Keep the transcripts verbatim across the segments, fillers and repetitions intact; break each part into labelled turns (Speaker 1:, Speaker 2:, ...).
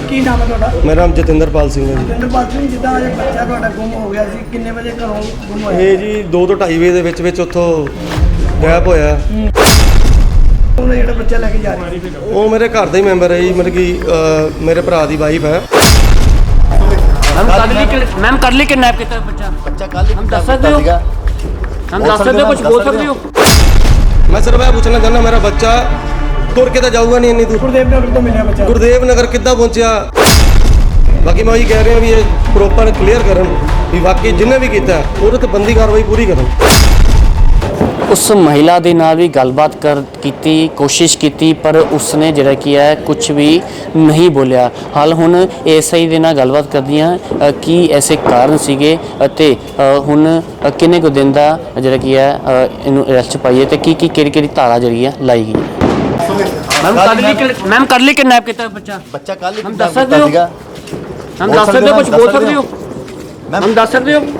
Speaker 1: ਕੀ ਨਾਮ ਹੈ ਤੁਹਾਡਾ?
Speaker 2: ਮੇਰਾ ਨਾਮ ਜਤਿੰਦਰਪਾਲ ਸਿੰਘ ਹੈ ਜੀ।
Speaker 1: ਜਤਿੰਦਰਪਾਲ ਸਿੰਘ, ਜਿੱਦਾਂ ਅੱਜ ਬੱਚਾ ਤੁਹਾਡਾ ਗੁੰਮ ਹੋ ਗਿਆ ਸੀ, ਕਿੰਨੇ ਵਜੇ ਘਰੋਂ ਗੁੰਮ ਹੋਇਆ?
Speaker 2: ਇਹ ਜੀ ਦੋ ਤੋਂ ਢਾਈ ਵਜੇ ਦੇ ਵਿੱਚ ਵਿੱਚ ਉੱਥੋਂ ਗਾਇਬ ਹੋਇਆ।
Speaker 1: ਉਹਨੇ ਜਿਹੜਾ ਬੱਚਾ ਲੈ ਕੇ ਜਾ ਰਿਹਾ ਸੀ
Speaker 2: ਉਹ ਮੇਰੇ ਘਰ ਦਾ ਹੀ ਮੈਂਬਰ ਹੈ ਜੀ, ਮਤਲਬ ਕਿ ਅ, ਮੇਰੇ ਭਰਾ ਦੀ ਵਾਈਫ ਹੈ।
Speaker 3: मैम कर ली मैम कर ली किडनैप किया बच्चा
Speaker 4: बच्चा कल
Speaker 3: हम दस सकते हो हम दस सकते हो कुछ बोल सकते हो?
Speaker 2: मैं सिर्फ ਇਹ ਪੁੱਛਣਾ ਚਾਹੁੰਦਾ, ਮੇਰਾ ਬੱਚਾ ਤੁਰ ਕੇ ਤਾਂ ਜਾਊਗਾ ਨਹੀਂ ਇੰਨੀ ਦੂਰ।
Speaker 1: ਗੁਰਦੇਵ ਨਗਰ ਤੋਂ ਮਿਲਿਆ ਬੱਚਾ।
Speaker 2: ਗੁਰਦੇਵ ਨਗਰ ਕਿੱਦਾਂ ਪਹੁੰਚਿਆ? ਬਾਕੀ ਮੈਂ ਉਹੀ ਕਹਿ ਰਿਹਾ ਵੀ ਇਹ ਪ੍ਰੋਪਰ ਕਲੀਅਰ ਕਰਨ ਵੀ ਵਾਕਈ ਜਿਹਨੇ ਵੀ ਕੀਤਾ ਉਹਦੇ ਤੇ ਬੰਦੀ ਕਾਰਵਾਈ ਪੂਰੀ ਕਰਨ।
Speaker 3: उस महिला ਦੇ ਨਾਲ ਵੀ ਗੱਲਬਾਤ ਕਰ ਕੀਤੀ ਕੋਸ਼ਿਸ਼ ਕੀਤੀ ਪਰ ਉਸਨੇ ਜਿਹੜਾ ਕੀ ਹੈ ਕੁਝ ਵੀ ਨਹੀਂ ਬੋਲਿਆ। ਹਾਲ ਹੁਣ ਐਸਆਈ ਦੇ ਨਾਲ ਗੱਲਬਾਤ ਕਰਦੀਆਂ ਕੀ ਐਸੇ ਕਾਰਨ ਸੀਗੇ ਅਤੇ ਹੁਣ ਕਿੰਨੇ ਕੁ ਦਿਨ ਦਾ ਜਿਹੜਾ ਕੀ ਹੈ ਇਹਨੂੰ ਅਰੈਸਟ ਪਾਈਏ ਤੇ ਕੀ ਕੀ ਕਿਹੜੀ ਕਿਹੜੀ ਧਾਰਾ ਜਿਹੜੀ ਹੈ ਲਾਈ ਗਈ। मैम कर ली मैम कर ली किडनैप किया बच्चा
Speaker 4: बच्चा कल
Speaker 3: हम दस सकते हो हम दस सकते हो कुछ बोल सकते हो हम दस सकते हो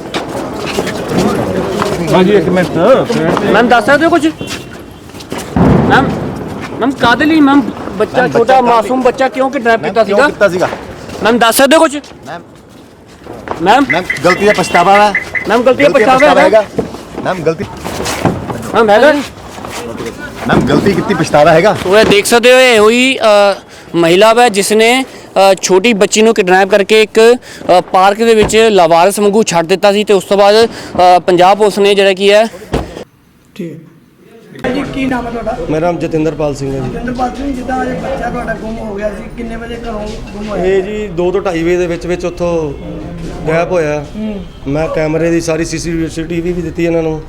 Speaker 5: हाँ जी एक मिनट
Speaker 3: मैम दस सकते हो कुछ मैम मैम कादे लिए मैम बच्चा छोटा मासूम बच्चा क्यों किडनैप किया सीगा
Speaker 4: कितना सीगा
Speaker 3: मैम दस सकते हो कुछ
Speaker 4: मैम
Speaker 3: मैम
Speaker 4: मैम गलती का पछतावा है
Speaker 3: मैम गलती का पछतावा
Speaker 4: हैगा मैम गलती
Speaker 3: मैम हैगा
Speaker 4: मैम गलती कितनी पछतावा हैगा।
Speaker 3: तो ये देख सकते हो ये हुई महिला है जिसने ਛੋਟੀ ਬੱਚੀ ਨੂੰ ਕਿਡਨੈਪ ਕਰਕੇ ਇੱਕ ਪਾਰਕ ਦੇ ਵਿੱਚ ਲਾਵਾਰਸ ਵਾਂਗੂ ਛੱਡ ਦਿੱਤਾ ਸੀ ਤੇ ਉਸ ਤੋਂ ਬਾਅਦ ਪੰਜਾਬ ਪੁਲਿਸ ਨੇ ਜਿਹੜਾ ਕੀ ਹੈ
Speaker 1: ਠੀਕ ਹੈ ਜੀ। ਕੀ ਨਾਮ ਹੈ ਤੁਹਾਡਾ?
Speaker 2: ਮੇਰਾ ਨਾਮ ਜਤਿੰਦਰਪਾਲ ਸਿੰਘ ਹੈ ਜੀ।
Speaker 1: ਜਤਿੰਦਰਪਾਲ ਸਿੰਘ, ਜਿੱਦਾਂ ਅੱਜ ਬੱਚਾ ਤੁਹਾਡਾ ਗੁੰਮ ਹੋ ਗਿਆ ਸੀ, ਕਿੰਨੇ ਵਜੇ ਘਰੋਂ ਗੁੰਮ ਹੋਇਆ?
Speaker 2: ਇਹ ਜੀ ਦੋ ਤੋਂ ਢਾਈ ਵਜੇ ਦੇ ਵਿੱਚ ਵਿੱਚ ਉੱਥੋਂ ਗਾਇਬ ਹੋਇਆ। ਮੈਂ ਕੈਮਰੇ ਦੀ ਸਾਰੀ ਸੀਸੀਟੀਵੀ ਵੀ ਦਿੱਤੀ ਇਹਨਾਂ ਨੂੰ,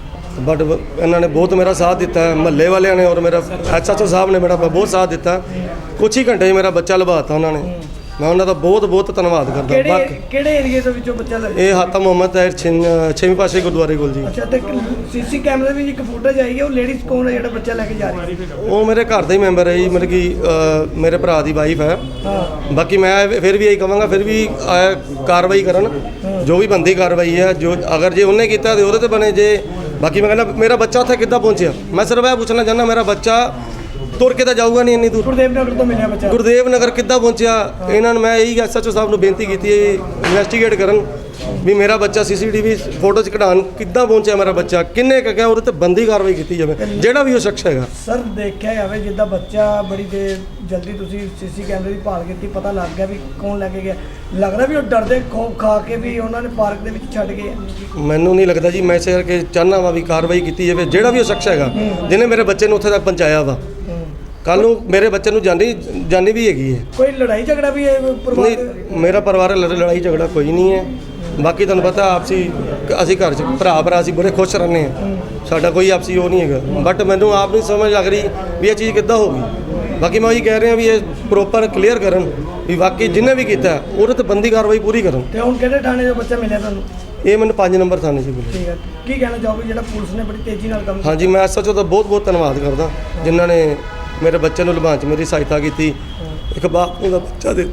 Speaker 2: ਬਟ ਇਹਨਾਂ ਨੇ ਬਹੁਤ ਮੇਰਾ ਸਾਥ ਦਿੱਤਾ, ਮਹੱਲੇ ਵਾਲਿਆਂ ਨੇ ਔਰ ਮੇਰਾ ਐਸਐਚਓ ਸਾਹਿਬ ਨੇ ਮੇਰਾ ਬਹੁਤ ਸਾਥ ਦਿੱਤਾ। ਕੁਛ ਹੀ ਘੰਟੇ 'ਚ ਮੇਰਾ ਬੱਚਾ ਲਭਾਤਾ ਉਹਨਾਂ ਨੇ। ਮੈਂ ਉਹਨਾਂ ਦਾ ਬਹੁਤ ਬਹੁਤ ਧੰਨਵਾਦ ਕਰਦਾ।
Speaker 1: ਕਿਹੜੇ
Speaker 2: ਬਾਕੀ
Speaker 1: ਕਿਹੜੇ ਏਰੀਏ ਦੇ ਵਿੱਚੋਂ ਬੱਚਾ ਲੱਗਾ?
Speaker 2: ਇਹ ਹਾਤਾ ਮੁਹੰਮਦ ਤਾਹਿਰ ਛੇਵੀਂ ਪਾਸੇ ਗੁਰਦੁਆਰੇ ਕੋਲ ਜੀ।
Speaker 1: ਅੱਛਾ, ਤੇ ਸੀਸੀ ਕੈਮਰੇ ਵਿੱਚ ਇੱਕ ਫੁਟੇਜ ਆਈ ਹੈ, ਉਹ ਲੇਡੀਜ਼ ਕੌਣ ਹੈ ਜਿਹੜਾ ਬੱਚਾ ਲੈ ਕੇ ਜਾ ਰਹੀ ਹੈ?
Speaker 2: ਉਹ ਮੇਰੇ ਘਰ ਦਾ ਹੀ ਮੈਂਬਰ ਹੈ ਜੀ, ਮਤਲਬ ਕਿ ਅ, ਮੇਰੇ ਭਰਾ ਦੀ ਵਾਈਫ ਹੈ।
Speaker 1: ਹਾਂ,
Speaker 2: ਬਾਕੀ ਮੈਂ ਫਿਰ ਵੀ ਇਹੀ ਕਹਾਂਗਾ ਫਿਰ ਵੀ ਅ, ਕਾਰਵਾਈ ਕਰਨ, ਜੋ ਵੀ ਬੰਦੀ ਕਾਰਵਾਈ ਹੈ। ਜੋ ਅਗਰ ਜੇ ਉਹਨੇ ਕੀਤਾ ਤੇ ਉਹਦੇ ਤੇ ਬਣੇ। ਜੇ ਬਾਕੀ ਮੈਂ ਕਹਿੰਦਾ ਮੇਰਾ ਬੱਚਾ ਉੱਥੇ ਕਿੱਦਾਂ ਪਹੁੰਚਿਆ? ਮੈਂ ਸਿਰਫ ਇਹ ਪੁੱਛਣਾ ਚਾਹੁੰਦਾ, ਮੇਰਾ ਬੱਚਾ ਤੁਰ ਕੇ ਤਾਂ ਜਾਊਗਾ ਨਹੀਂ ਇੰਨੀ ਦੂਰ।
Speaker 1: ਗੁਰਦੇਵ ਨਗਰ ਤੋਂ ਮਿਲਿਆ ਬੱਚਾ।
Speaker 2: ਗੁਰਦੇਵ ਨਗਰ ਕਿੱਦਾਂ ਪਹੁੰਚਿਆ? ਇਹਨਾਂ ਨੂੰ ਮੈਂ ਇਹੀ ਐਸਐਚਓ ਸਾਹਿਬ ਨੂੰ ਬੇਨਤੀ ਕੀਤੀ ਹੈ ਇਨਵੈਸਟੀਗੇਟ ਕਰਨ ਵੀ ਮੇਰਾ ਬੱਚਾ ਸੀਸੀਟੀਵੀ ਫੋਟੋ 'ਚ ਕਢਾਉਣ ਕਿੱਦਾਂ ਪਹੁੰਚਿਆ, ਮੇਰਾ ਬੱਚਾ ਕਿੰਨੇ ਕੁ ਗਿਆ, ਉਹਦੇ ਤੇ ਬੰਦੀ ਕਾਰਵਾਈ ਕੀਤੀ ਜਾਵੇ ਜਿਹੜਾ ਵੀ ਉਹ ਸ਼ਖਸ ਹੈਗਾ।
Speaker 1: ਸਰ, ਦੇਖਿਆ ਜਾਵੇ ਜਿੱਦਾਂ ਬੱਚਾ ਬੜੀ ਦੇਰ ਜਲਦੀ ਤੁਸੀਂ ਸੀਸੀ ਕੈਮਰੇ ਦੀ ਭਾਲ ਕੀਤੀ, ਪਤਾ ਲੱਗ ਗਿਆ ਵੀ ਕੌਣ ਲੈ ਕੇ ਗਿਆ। ਲੱਗਦਾ ਵੀ ਉਹ ਡਰਦੇ ਖੌਫ ਖਾ ਕੇ ਵੀ ਉਹਨਾਂ ਨੇ ਪਾਰਕ ਦੇ ਵਿੱਚ ਛੱਡ ਗਏ।
Speaker 2: ਮੈਨੂੰ ਨਹੀਂ ਲੱਗਦਾ ਜੀ, ਮੈਂ ਇਸੇ ਕਰਕੇ ਚਾਹੁੰਦਾ ਵਾ ਵੀ ਕਾਰਵਾਈ ਕੀਤੀ ਜਾਵੇ ਜਿਹੜਾ ਵੀ ਉਹ ਸ਼ਖਸ ਹੈਗਾ ਜਿਹਨੇ ਮੇਰੇ ਬੱਚੇ ਨੂੰ ਉੱਥੇ ਤੱਕ ਪਹੁੰਚਾਇਆ ਵਾ। ਕੱਲ ਨੂੰ ਮੇਰੇ ਬੱਚੇ ਨੂੰ ਜਾਨੀ ਜਾਨੀ ਵੀ ਹੈਗੀ ਹੈ।
Speaker 1: ਕੋਈ ਲੜਾਈ ਝਗੜਾ ਵੀ ਹੈ ਪਰਿਵਾਰ ਦੇ?
Speaker 2: ਨਹੀਂ, ਮੇਰਾ ਪਰਿਵਾਰ ਲੜਾਈ ਝਗੜਾ ਕੋਈ ਨਹੀਂ ਹੈ। ਬਾਕੀ ਤੁਹਾਨੂੰ ਪਤਾ ਆਪਸੀ ਅਸੀਂ ਘਰ 'ਚ ਭਰਾ ਭਰਾ ਅਸੀਂ ਬੜੇ ਖੁਸ਼ ਰਹਿੰਦੇ ਹਾਂ, ਸਾਡਾ ਕੋਈ ਆਪਸੀ ਉਹ ਨਹੀਂ ਹੈਗਾ। ਬਟ ਮੈਨੂੰ ਆਪ ਨਹੀਂ ਸਮਝ ਲੱਗ ਰਹੀ ਵੀ ਇਹ ਚੀਜ਼ ਕਿੱਦਾਂ ਹੋ ਗਈ। ਬਾਕੀ ਮੈਂ ਉਹੀ ਕਹਿ ਰਿਹਾ ਵੀ ਇਹ ਪ੍ਰੋਪਰ ਕਲੀਅਰ ਕਰਨ ਵੀ ਵਾਕਈ ਜਿਹਨੇ ਵੀ ਕੀਤਾ ਉਹਦੇ ਤੇ ਬੰਦੀ ਕਾਰਵਾਈ ਪੂਰੀ ਕਰਨ।
Speaker 1: ਤੇ ਹੁਣ ਕਿਹੜੇ ਥਾਣੇ ਦਾ ਬੱਚਾ ਮਿਲਿਆ ਤੁਹਾਨੂੰ?
Speaker 2: ਇਹ ਮੈਨੂੰ ਪੰਜ ਨੰਬਰ ਥਾਣੇ 'ਚ ਮਿਲਿਆ।
Speaker 1: ਠੀਕ ਹੈ, ਕੀ ਕਹਿਣਾ ਚਾਹੋਗੇ ਜਿਹੜਾ ਪੁਲਿਸ ਨੇ ਬੜੀ ਤੇਜ਼ੀ ਨਾਲ ਕੰਮ?
Speaker 2: ਹਾਂਜੀ, ਮੈਂ ਐਸਐਚਓ ਦਾ ਬਹੁਤ ਬਹੁਤ ਧੰਨਵਾਦ ਕਰਦਾ ਜਿਨ੍ਹਾਂ ਨੇ ਮੇਰੇ ਬੱਚੇ ਨੂੰ ਲਭਾਉਣ 'ਚ ਮੇਰੀ ਸਹਾਇਤਾ ਕੀਤੀ। ਇੱਕ ਬਾਪ ਨੂੰ ਦਾ ਬੱਚਾ ਦੇ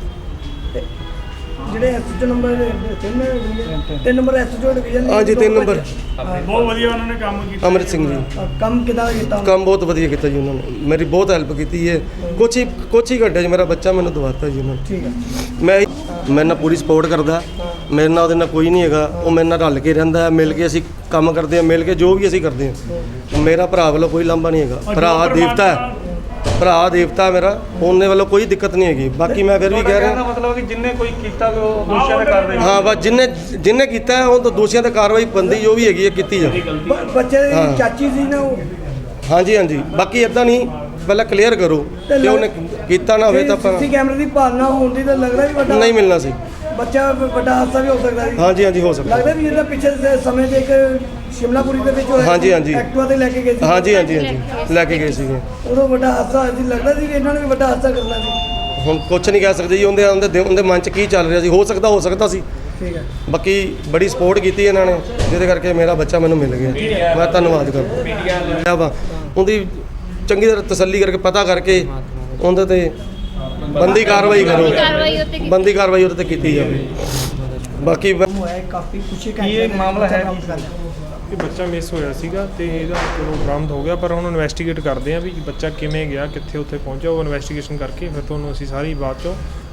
Speaker 1: ਜਿਹੜੇ ਐਸਐਚਓ ਨੰਬਰ ਤਿੰਨ ਤਿੰਨ ਨੰਬਰ ਐਸਐਚਓ ਡਿਵੀਜ਼ਨ।
Speaker 2: ਹਾਂਜੀ, ਤਿੰਨ ਨੰਬਰ
Speaker 5: बहुत ਵਧੀਆ ਉਹਨਾਂ ਨੇ ਕੰਮ ਕੀਤਾ।
Speaker 2: ਅੰਮ੍ਰਿਤ ਸਿੰਘ ਜੀ
Speaker 1: ਕੰਮ ਕਿੱਦਾਂ ਕੀਤਾ?
Speaker 2: ਕੰਮ ਬਹੁਤ ਵਧੀਆ ਕੀਤਾ ਜੀ ਉਹਨਾਂ ਨੇ, ਮੇਰੀ ਬਹੁਤ ਹੈਲਪ ਕੀਤੀ ਹੈ। ਕੁਛ ਹੀ ਕੁਛ ਹੀ ਘੰਟੇ 'ਚ ਮੇਰਾ ਬੱਚਾ ਮੈਨੂੰ ਦਵਾਤਾ ਜੀ ਉਹਨਾਂ ਨੇ।
Speaker 1: ਠੀਕ ਹੈ,
Speaker 2: ਮੈਂ ਮੇਰੇ ਨਾਲ ਪੂਰੀ ਸਪੋਰਟ ਕਰਦਾ, ਮੇਰੇ ਨਾਲ ਉਹਦੇ ਨਾਲ ਕੋਈ ਨਹੀਂ ਹੈਗਾ। ਉਹ ਮੇਰੇ ਨਾਲ ਰਲ ਕੇ ਰਹਿੰਦਾ, ਮਿਲ ਕੇ ਅਸੀਂ ਕੰਮ ਕਰਦੇ ਹਾਂ, ਮਿਲ ਕੇ ਜੋ ਵੀ ਅਸੀਂ ਕਰਦੇ ਹਾਂ। ਮੇਰਾ ਭਰਾ ਵੱਲੋਂ ਕੋਈ ਲਾਂਭਾ ਨਹੀਂ ਹੈਗਾ। ਭਰਾ ਦੇਵਤਾ ਹੈ, ਭਰਾ ਦੇਵਤਾ ਮੇਰਾ, ਉਹਨੇ ਵੱਲੋਂ ਕੋਈ ਦਿੱਕਤ ਨਹੀਂ ਹੈਗੀ। ਬਾਕੀ ਮੈਂ ਫਿਰ ਵੀ ਕਹਿ ਰਿਹਾ
Speaker 5: ਮਤਲਬ ਕਿ ਜਿੰਨੇ ਕੋਈ ਕੀਤਾ ਉਹ ਦੋਸ਼ੀਆਂ ਤੇ ਕਾਰਵਾਈ।
Speaker 2: ਹਾਂ, ਬਸ ਜਿੰਨੇ ਜਿੰਨੇ ਕੀਤਾ ਹੈ ਉਹ ਤਾਂ ਦੋਸ਼ੀਆਂ ਤੇ ਕਾਰਵਾਈ ਬੰਦੀ ਜੋ ਵੀ ਹੈਗੀ ਹੈ ਕੀਤੀ ਜਾਵੇ।
Speaker 1: ਬ- ਬੱਚੇ ਦੀ ਚਾਚੀ ਸੀ ਨਾ ਉਹ?
Speaker 2: ਹਾਂਜੀ ਹਾਂਜੀ, ਬਾਕੀ ਇਦਾਂ ਨਹੀਂ, ਪਹਿਲਾਂ ਕਲੀਅਰ ਕਰੋ ਕਿ ਉਹਨੇ ਕੀਤਾ ਨਾ ਹੋਵੇ ਤਾਂ ਆਪਾਂ
Speaker 1: ਸੀਸੀ ਕੈਮਰੇ ਦੀ ਭਾਲਣਾ ਹੋਣ ਦੀ ਤਾਂ ਲੱਗਦਾ ਵੀ ਵੱਡਾ
Speaker 2: ਨਹੀਂ ਮਿਲਣਾ ਸੀ।
Speaker 1: ਬੱਚਾ ਵੱਡਾ ਹਾਦਸਾ ਵੀ ਹੋ ਸਕਦਾ ਸੀ।
Speaker 2: ਹਾਂਜੀ ਹਾਂਜੀ, ਹੋ ਸਕਦਾ।
Speaker 1: ਲੱਗਦਾ ਵੀ ਇਹਦਾ ਪਿੱਛੇ ਦੇ ਸਮੇਂ ਤੇ ਇੱਕ ਸ਼ਿਮਲਾਪੁਰੀ ਦੇ ਵਿੱਚ ਹੋਇਆ
Speaker 2: ਹਾਂਜੀ, ਹਾਂਜੀ।
Speaker 1: ਐਕਟਿਵਾ ਤੇ ਲੈ ਕੇ ਗਏ ਸੀ।
Speaker 2: ਹਾਂਜੀ ਹਾਂਜੀ ਹਾਂਜੀ, ਲੈ ਕੇ ਗਏ ਸੀਗੇ।
Speaker 1: ਉਦੋਂ ਵੱਡਾ ਹਾਦਸਾ ਹੋਇਆ ਸੀ, ਲੱਗਦਾ ਸੀ ਕਿ ਇਹਨਾਂ ਨੇ ਵੀ ਵੱਡਾ ਹਾਦਸਾ ਕਰਨਾ ਸੀ।
Speaker 2: ਹੁਣ ਕੁਛ ਨਹੀਂ ਕਹਿ ਸਕਦੇ ਜੀ, ਉਹਦੇ ਉਹਦੇ ਦਿ- ਉਹਦੇ ਮਨ 'ਚ ਕੀ ਚੱਲ ਰਿਹਾ ਸੀ। ਹੋ ਸਕਦਾ ਹੋ ਸਕਦਾ ਸੀ।
Speaker 1: ਠੀਕ ਹੈ,
Speaker 2: ਬਾਕੀ ਬੜੀ ਸਪੋਰਟ ਕੀਤੀ ਇਹਨਾਂ ਨੇ ਜਿਹਦੇ ਕਰਕੇ ਮੇਰਾ ਬੱਚਾ ਮੈਨੂੰ ਮਿਲ ਗਿਆ। ਮੈਂ ਧੰਨਵਾਦ ਕਰਦਾ ਵਾ ਉਹਦੀ, ਚੰਗੀ ਤਰ੍ਹਾਂ ਤਸੱਲੀ ਕਰਕੇ ਪਤਾ ਕਰਕੇ ਉਹਦੇ ਤੇ ਬੰਦੀ ਕਾਰਵਾਈ ਕਰੋ, ਬੰਦੀ ਕਾਰਵਾਈ ਉਹਦੇ ਤੇ ਕੀਤੀ ਜਾਵੇ। ਬਾਕੀ
Speaker 1: ਹੋਇਆ ਕਾਫੀ ਕੁਛ
Speaker 5: ਇਹ ਮਾਮਲਾ ਹੈ ਕਿ ਬੱਚਾ ਮਿਸ ਹੋਇਆ ਸੀਗਾ ਤੇ ਇਹਦਾ ਚਲੋ ਬਰਾਮਦ ਹੋ ਗਿਆ, ਪਰ ਹੁਣ ਇਨਵੈਸਟੀਗੇਟ ਕਰਦੇ ਆ ਵੀ ਬੱਚਾ ਕਿਵੇਂ ਗਿਆ, ਕਿੱਥੇ ਉੱਥੇ ਪਹੁੰਚਿਆ। ਉਹ ਇਨਵੈਸਟੀਗੇਸ਼ਨ ਕਰਕੇ ਫਿਰ ਤੁਹਾਨੂੰ ਅਸੀਂ ਸਾਰੀ ਬਾਤ ਚੋਂ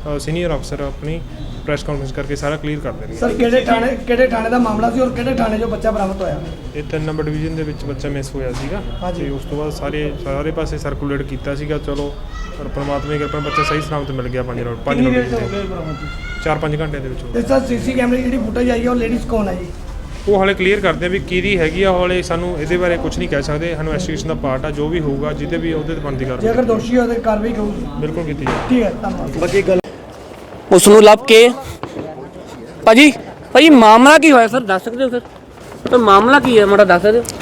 Speaker 5: ਸੀਨੀਅਰ ਅਫਸਰ ਆਪਣੀ ਪ੍ਰੈਸ ਕਾਨਫਰੰਸ ਕਰਕੇ ਸਾਰਾ ਕਲੀਅਰ ਕਰ ਦੇਣਗੇ।
Speaker 1: ਸਰ ਕਿਹੜੇ ਥਾਣੇ ਕਿਹੜੇ ਥਾਣੇ ਦਾ ਮਾਮਲਾ ਸੀ ਔਰ ਕਿਹੜੇ ਥਾਣੇ 'ਚੋਂ ਬੱਚਾ ਬਰਾਮਦ ਹੋਇਆ?
Speaker 5: ਇਹ ਤਿੰਨ ਨੰਬਰ ਡਿਵੀਜ਼ਨ ਦੇ ਵਿੱਚ ਬੱਚਾ ਮਿਸ ਹੋਇਆ ਸੀਗਾ
Speaker 1: ਹਾਂਜੀ।
Speaker 5: ਤੇ ਉਸ ਤੋਂ ਬਾਅਦ ਸਾਰੇ ਸਾਰੇ ਪਾਸੇ ਸਰਕੂਲੇਟ ਕੀਤਾ ਸੀਗਾ। ਚਲੋ ਪਰ ਪਰਮਾਤਮਾ ਦੀ ਕਿਰਪਾ ਨਾਲ ਬੱਚਾ ਸਹੀ ਸਲਾਮਤ ਮਿਲ ਗਿਆ। ਪੰਜ ਰੋਡ ਪੰਜ ਰੋਡ ਚਾਰ ਪੰਜ ਘੰਟੇ ਦੇ ਵਿੱਚ ਹੋ
Speaker 1: ਤੇ
Speaker 5: ਗਿਆ।
Speaker 1: ਸਰ ਸੀਸੀ ਕੈਮਰੇ ਦੀ ਜਿਹੜੀ ਫੁਟੇਜ ਆਈ ਹੈ ਉਹ ਲੇਡੀਜ਼ ਕੌਣ ਹੈ ਜੀ?
Speaker 5: ਉਹ ਹਾਲੇ ਕਲੀਅਰ ਕਰਦੇ ਆ ਵੀ ਕਿਹਦੀ ਹੈਗੀ ਆ। ਹਾਲੇ ਸਾਨੂੰ ਇਹਦੇ ਬਾਰੇ ਕੁਝ ਨਹੀਂ ਕਹਿ ਸਕਦੇ। ਸਾਨੂੰ ਇਨਵੈਸਟੀਗੇਸ਼ਨ ਦਾ ਪਾਰਟ ਆ, ਜੋ ਵੀ ਹੋਊਗਾ ਜਿਹਦੇ ਵੀ ਉਹਦੇ ਤੇ ਬਣਦੀ
Speaker 1: ਜੇ
Speaker 5: ਕਾਰਵਾਈ
Speaker 1: ਅਗਰ ਦੋਸ਼ੀ ਹੋਵੇ ਤਾਂ ਕਾਰਵਾਈ ਹੋਊਗੀ।
Speaker 5: ਬਿਲਕੁਲ ਕੀਤੀ ਜਾਵੇ।
Speaker 1: ਠੀਕ ਹੈ, ਧੰਨਵਾਦ।
Speaker 2: ਬਾਕੀ ਗੱਲ
Speaker 3: ਉਸ ਨੂੰ ਲੱਭ ਕੇ ਭਾਜੀ ਭਾਜੀ ਮਾਮਲਾ ਕੀ ਹੋਇਆ ਸਰ ਦੱਸ ਸਕਦੇ ਹੋ ਸਰ? ਸਰ ਮਾਮਲਾ ਕੀ ਹੈ ਮਾੜਾ ਦੱਸ ਸਕਦੇ ਹੋ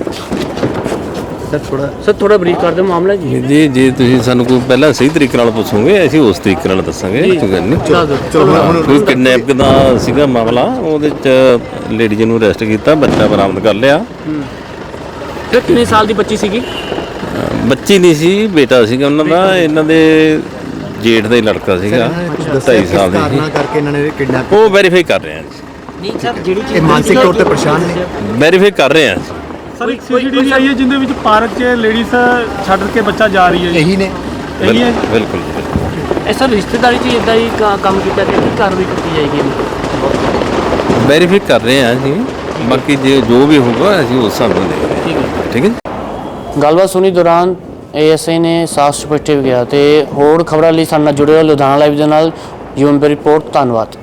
Speaker 4: ਸਰ ਥੋੜਾ
Speaker 3: ਸਰ? ਥੋੜਾ ਬਰੀਫ ਕਰ ਦਿਓ ਮਾਮਲਾ ਕੀ ਹੈ
Speaker 6: ਜੀ ਜੇ ਤੁਸੀਂ ਸਾਨੂੰ ਕੋਈ ਪਹਿਲਾਂ ਸਹੀ ਤਰੀਕੇ ਨਾਲ ਪੁੱਛੋਗੇ ਅਸੀਂ ਉਸ ਤਰੀਕੇ ਨਾਲ ਦੱਸਾਂਗੇ। ਕੋਈ ਗੱਲ ਨਹੀਂ।
Speaker 3: ਦੱਸ ਦਿਓ।
Speaker 4: ਚਲੋ ਹੁਣ
Speaker 6: ਕੋਈ ਕਿਡਨੈਪ ਦਾ ਸੀਗਾ ਮਾਮਲਾ, ਉਹਦੇ ਚ ਲੇਡੀ ਜੀ ਨੂੰ ਅਰੈਸਟ ਕੀਤਾ, ਬੱਚਾ ਬਰਾਮਦ ਕਰ ਲਿਆ।
Speaker 3: ਫਿਰ ਕਿੰਨੇ ਸਾਲ ਦੀ ਬੱਚੀ ਸੀਗੀ?
Speaker 6: ਅਹ ਬੱਚੀ ਨਹੀਂ ਸੀ, ਬੇਟਾ ਸੀਗਾ ਉਹਨਾਂ ਦਾ। ਇਹਨਾਂ ਦੇ ਜੇਠ ਦਾ ਹੀ ਲੜਕਾ ਸੀਗਾ, ਢਾਈ ਸਾਲ ਦੀ
Speaker 4: ਕਾਰਨਾਂ
Speaker 6: ਸੀ।
Speaker 4: ਕਰਕੇ ਇਹਨਾਂ ਨੇ ਕਿਡਨੈਪ
Speaker 6: ਉਹ ਵੈਰੀਫਾਈ ਕਰ ਰਹੇ ਹਾਂ ਜੀ,
Speaker 3: ਨਹੀਂ ਸਰ ਜਿਹੜੀ
Speaker 4: ਇਹ ਮਾਨਸਿਕ ਤੌਰ ਤੇ ਪਰੇਸ਼ਾਨ ਨੇ।
Speaker 6: ਵੈਰੀਫਾਈ ਕਰ ਰਹੇ ਹਾਂ।
Speaker 7: ਸਰ ਇੱਕ ਸੀਸੀਟੀਵੀ ਆਈ ਹੈ ਜਿੰਦੇ ਵਿੱਚ ਪਾਰਕ 'ਚ ਲੇਡੀਜ਼ ਛੱਡ ਕੇ ਬੱਚਾ ਜਾ ਰਹੀ ਹੈ ਜੀ।
Speaker 4: ਇਹੀ ਨੇ
Speaker 7: ਇਹੀ ਹੈ
Speaker 6: ਬਿਲਕੁਲ ਬਿਲਕੁਲ ਬਿਲਕੁਲ।
Speaker 3: ਇਹ ਸਰ ਰਿਸ਼ਤੇਦਾਰੀ 'ਚ ਇਦਾਂ ਹੀ ਕ- ਕੰਮ ਕੀਤਾ ਗਿਆ ਕਿ ਕਾਰਵਾਈ ਕੀਤੀ ਜਾਏਗੀ ਇਹਨੂੰ?
Speaker 6: ਵੈਰੀਫਾਈ ਕਰ ਰਹੇ ਹਾਂ ਜੀ, ਬਾਕੀ ਜੇ ਜੋ ਵੀ ਹੋਊਗਾ ਅਸੀਂ ਉਸ ਹਿਸਾਬ ਨਾਲ ਦੇਖ ਰਹੇ ਹਾਂ। ਠੀਕ ਹੈ।
Speaker 3: ਗੱਲਬਾਤ ਸੁਣੀ ਦੌਰਾਨ ਏਐਸਆਈ ਨੇ ਸਾਫ਼ ਸਪਸ਼ਟ ਵੀ ਗਿਆ ਤੇ ਹੋਰ ਖਬਰਾਂ ਲਈ ਸਾਡੇ ਨਾਲ ਜੁੜੇ ਰਹੋ ਲੁਧਿਆਣਾ ਲਾਈਵ ਦੇ ਨਾਲ। UMP report. ਧੰਨਵਾਦ।